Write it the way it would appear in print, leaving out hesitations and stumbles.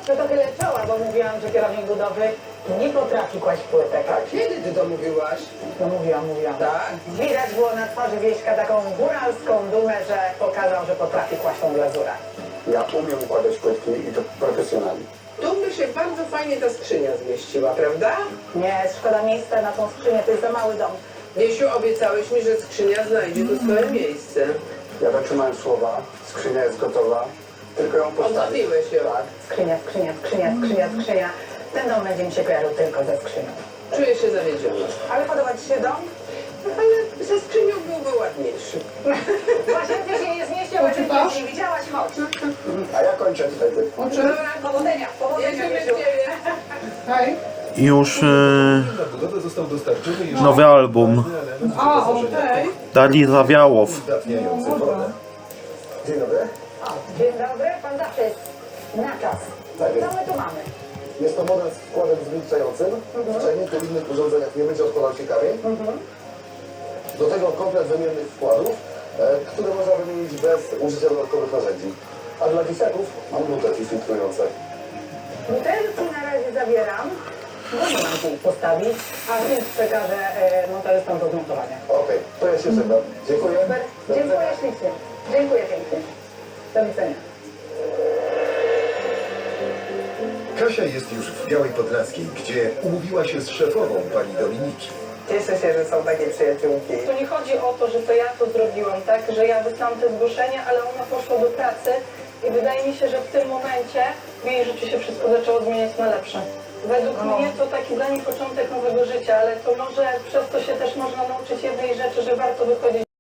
No to tyle czoła, bo mówiłam, że kierownik budowy nie potrafi kłaść płytek. A kiedy ty to mówiłaś? No mówiłam. Tak? Widać było na twarzy Wieśka taką góralską dumę, że pokazał, że potrafi kłaść tą glazurę. Ja umiem układać płytki i to profesjonalnie. Tu by się bardzo fajnie ta skrzynia zmieściła, prawda? Nie, szkoda miejsca na tą skrzynię, to jest za mały dom. Wiesiu, obiecałeś mi, że skrzynia znajdzie tu swoje miejsce. Ja dotrzymałem słowa, skrzynia jest gotowa, tylko ją postawić. Odmówiłeś ją. Tak. Skrzynia. Ten dom będzie mi się kojarzył tylko ze skrzynią. Czuję się zawiedziona. Ale podoba ci się dom? Ale ze skrzynią byłby ładniejszy. Właśnie ty się nie zmieścił, bo ty nie widziałaś, chodź. A ja kończę tutaj. Dobra, Powodzenia, jedziemy w Wiesiu. ciebie. Hej. Już Na budowę został dostarczony jeszcze nowy album A, okej. Dali Zawiałow. uzdatniający wodę. Dzień dobry. O, dzień dobry, pan zawsze jest na czas. Tak jest. Co my tu mamy? Jest to model z wkładem zwilczającym. W czajniku i innych urządzeniach nie będzie odpadał się kamień. Do tego komplet wymiennych wkładów, które można wymienić bez użycia dodatkowych narzędzi. A dla dzieciaków mam butelki filtrujące. Butelki na razie zabieram, bo nie mam tu ich postawić, a więc przekażę montażystom do zmontowania. Okej, to ja się żegnam. Dziękuję. Super, dziękuję ślicznie. Dziękuję pięknie. Do widzenia. Kasia jest już w Białej Podlaskiej, gdzie umówiła się z szefową pani Dominiki. Cieszę się, że są takie przyjaciółki. To nie chodzi o to, że to ja to zrobiłam, tak? Że ja wysłałam te zgłoszenia, ale ona poszła do pracy i wydaje mi się, że w tym momencie w jej życiu się wszystko zaczęło zmieniać na lepsze. Według mnie to taki dla niej początek nowego życia, ale to może przez to się też można nauczyć jednej rzeczy, że warto wychodzić